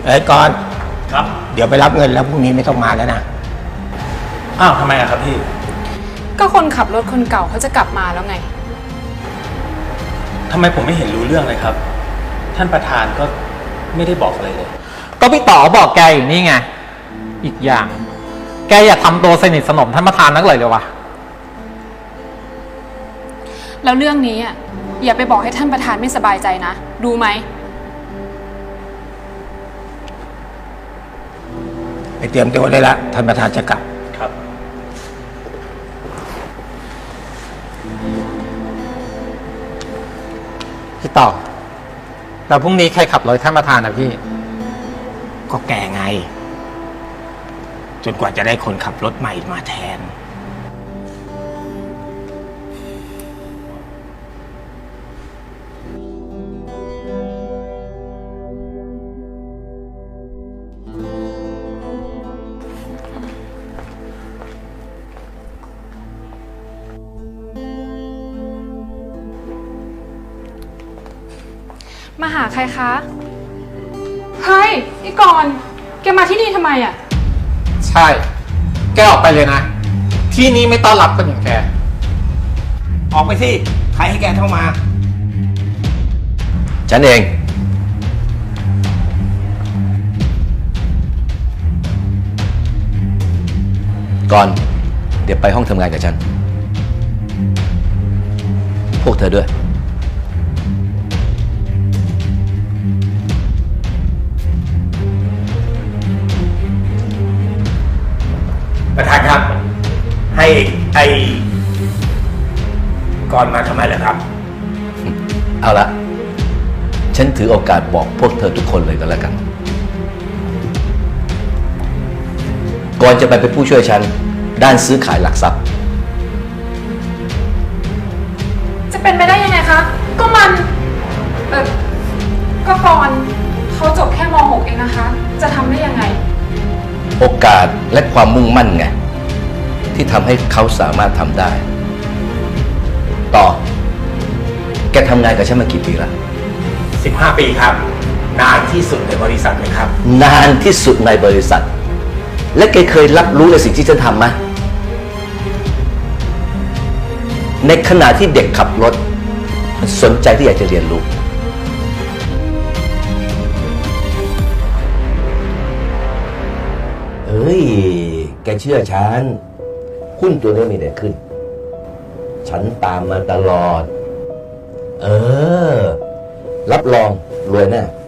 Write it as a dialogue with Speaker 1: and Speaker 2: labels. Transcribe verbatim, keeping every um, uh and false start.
Speaker 1: อ้ยก่อน
Speaker 2: ครับ
Speaker 1: เดี๋ยวไปรับเงินแล้วพรุ่งนี้ไม่ต้องมาแล้วนะ
Speaker 2: อ้าวทำไมอะครับพี่
Speaker 3: ก็คนขับรถคนเก่าเขาจะกลับมาแล้วไง
Speaker 2: ทำไมผมไม่เห็นรู้เรื่องเลยครับท่านประธานก็ไม่ได้บอกอะไรเลย
Speaker 4: ก็พี่ต่อบอกแกอยู่นี่ไงอีกอย่างแกอย่าทำตัวสนิทสนมท่านประธานนักเลยเลยวะ
Speaker 3: แล้วเรื่องนี้อ่ะอย่าไปบอกให้ท่านประธานไม่สบายใจนะรู้ไหม
Speaker 1: ไปเตรียมตัวได้ละท่านประธานจะกลับ
Speaker 2: ครับ
Speaker 4: พี่ต่อแล้วพรุ่งนี้ใครขับรถท่านประธานนะพี่
Speaker 1: ก็แกไงจนกว่าจะได้คนขับรถใหม่มาแทน
Speaker 3: มาหาใครคะเฮ้ยพี่กรณ์แกมาที่นี่ทำไมอ่ะ
Speaker 4: ใช่แกออกไปเลยนะที่นี้ไม่ต้อนรับคนอย่างแก
Speaker 1: ออกไปสิใครให้แกเข้ามา
Speaker 5: ฉันเองก่อนเดี๋ยวไปห้องทำงานกับฉันพวกเธอด้วย
Speaker 1: ประธานครับให้ไอ้ก่อนมาทำไมล่ะครับ
Speaker 5: เอาละฉันถือโอกาสบอกพวกเธอทุกคนเลยก็แล้วกันก่อนจะไปเป็นผู้ช่วยฉันด้านซื้อขายหลักทรัพย์
Speaker 3: จะเป็นไปได้ยังไงคะก็มันเออก็ก่อนเขาจบแค่ม หก เองนะคะจะทำได้ยังไง
Speaker 5: โอกาสและความมุ่งมั่นไงที่ทำให้เขาสามารถทำได้ต่อแกทำงานกับฉันมากี่ปีละ
Speaker 1: สิบห้าปีครับนานที่สุดในบริษัทเลยครับ
Speaker 5: นานที่สุดในบริษัทและแกเคยรับรู้ในสิ่งที่ฉันทำไหมในขณะที่เด็กขับรถมันสนใจที่อยากจะเรียนรู้เฮ้ยแกเชื่อฉันหุ้นตัวนี้มีแต่ขึ้นฉันตามมาตลอดเออรับรองรวยแน่